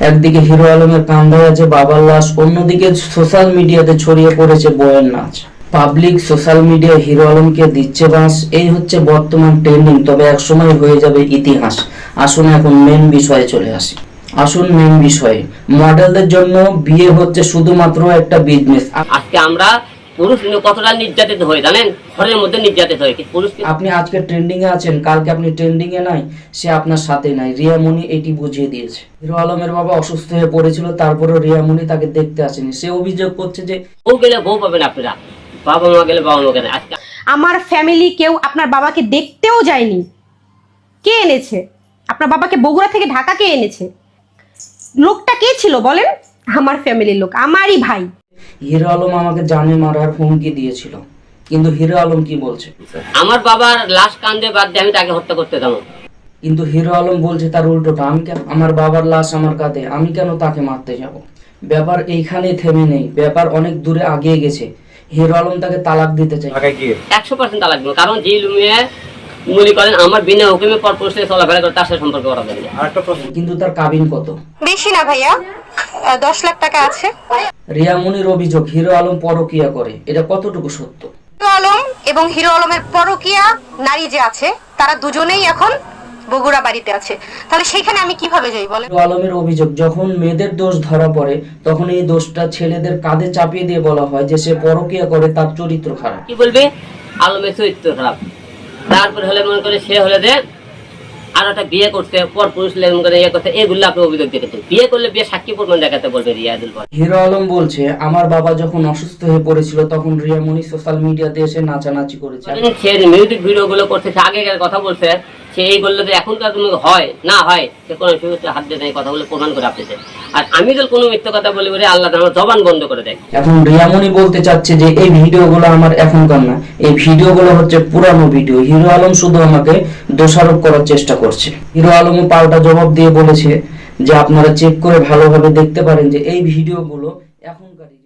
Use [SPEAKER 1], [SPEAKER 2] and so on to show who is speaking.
[SPEAKER 1] একদিকে হিরো আলমের কান্ধায় আছে বাবার লাশ, অন্যদিকে সোশ্যাল মিডিয়াতে ছড়িয়ে পড়েছে বউয়ের নাচ। পাবলিক সোশ্যাল মিডিয়ায় হিরো আলমকে দিচ্ছে বাঁশ, এই হচ্ছে বর্তমান ট্রেন্ডিং। তবে একসময় হয়ে যাবে ইতিহাস। আসুন এখন মেন বিষয়ে চলে আসি। মেন বিষয়ে, মডেলদের জন্য বিয়ে হচ্ছে শুধুমাত্র একটা বিজনেস।
[SPEAKER 2] আজকে আমরা পুরুষ কতটা নির্যাতিত হয়ে জানেন, ঘরের মধ্যে নির্যাতিত হয়ে পুরুষ।
[SPEAKER 1] আপনি আজকে ট্রেন্ডিং এ আছেন, কালকে আপনি ট্রেন্ডিং এ নাই, সে আপনার সাথে নাই। রিয়ামণি এটি বুঝিয়ে দিয়েছে। হিরো আলমের বাবা অসুস্থ হয়ে পড়েছিল, তারপরও রিয়ামণি তাকে দেখতে আসেনি। সে অভিযোগ করছে যে
[SPEAKER 2] বউ গেলে বউ পাবেন আপনারা, বাবা মা গেলে বাবা মা গেলে। আজকে
[SPEAKER 3] আমার ফ্যামিলি কেউ আপনার বাবাকে দেখতেও যায়নি। কে এনেছে আপনার বাবাকে? বগুড়া থেকে ঢাকা কে এনেছে? লোকটা কে ছিল বলেন? আমার ফ্যামিলির লোক, আমারই ভাই।
[SPEAKER 1] হিরো আলম আমাকে জানে মারার হুমকি দিয়েছিল, কিন্তু হিরো আলম কি বলছে?
[SPEAKER 2] আমার বাবার লাশ কান্দে বাদ দিয়ে আমি তাকে হত্যা করতে যাবো।
[SPEAKER 1] কিন্তু হিরো আলম বলছে তার উল্টোটা। আমি কেন, আমার বাবার লাশ আমার কাঁধে, আমি কেন তাকে মারতে যাব? ব্যাপার এইখানেই থেমে নেই, ব্যাপার অনেক দূরে আগিয়ে গেছে। হিরো আলম তাকে তালাক দিতে চায়।
[SPEAKER 2] 100% তালাক দেবো, কারণ যে লুমিয়ে মনে করেন আমার বিনা হুকুমে পরপুরুষ থেকে চলাফেরা করে তার সাথে সম্পর্ক করা যাবে।
[SPEAKER 1] কিন্তু তার কাবিন কত?
[SPEAKER 3] বেশি না ভাইয়া, 10 লাখ টাকা আছে।
[SPEAKER 1] রিয়ামণির অভিযোগ হিরো আলম পরকীয়া করে, এটা কতটুকু সত্য?
[SPEAKER 3] হিরো আলম এবং হিরো আলমের পরকীয়া নারী যে আছে, তারা দুজনেই এখন বগুড়া বাড়িতে আছে। তাহলে সেখানে আমি কিভাবে যাই বলেন?
[SPEAKER 1] হিরো আলমের অভিযোগ, যখন মেয়েদের দোষ ধরা পড়ে তখন এই দোষটা ছেলেদের কাঁধে চাপিয়ে দিয়ে বলা হয় যে সে পরকীয়া করে, তার চরিত্র খারাপ।
[SPEAKER 2] কি বলবে? আলমের চরিত্র খারাপ। তারপরে হলে মনে করে সে হলে যে আর একটা বিয়ে করতে পর পুরুষ মনে করে ইয়ে করতে, এগুলো আপনি অভিযোগ দেখেছেন। বিয়ে করলে বিয়ে সাক্ষী প্রমাণ দেখাতে বলবে রিয়াজুল ভাই।
[SPEAKER 1] হিরো আলম বলছে আমার বাবা যখন অসুস্থ হয়ে পড়েছিল তখন রিয়ামণি সোশ্যাল মিডিয়াতে এসে নাচানাচি করেছে।
[SPEAKER 2] সে মিউজিক ভিডিও গুলো করতেছে, আগেকার কথা বলছে, সে এইগুলো যে এখনকার হয় না হয় সে কোনো হাত দিয়ে নেই, কথাগুলো প্রমাণ করে আপনি। আর আমি যদি কোনো মিথ্যা কথা বলি বলে আল্লাহ আমার জবান বন্ধ করে দেয়।
[SPEAKER 1] এখন রিয়ামণি বলতে চাচ্ছে যে এই ভিডিওগুলো আমার এখনকার না, এই ভিডিওগুলো হচ্ছে পুরানো ভিডিও। হিরো আলম শুধু আমাকে দোষারোপ করার চেষ্টা করছে। হিরো আলমও পাল্টা জবাব দিয়ে বলেছে যে আপনারা চেক করে ভালোভাবে দেখতে পারেন যে এই ভিডিওগুলো এখনকার।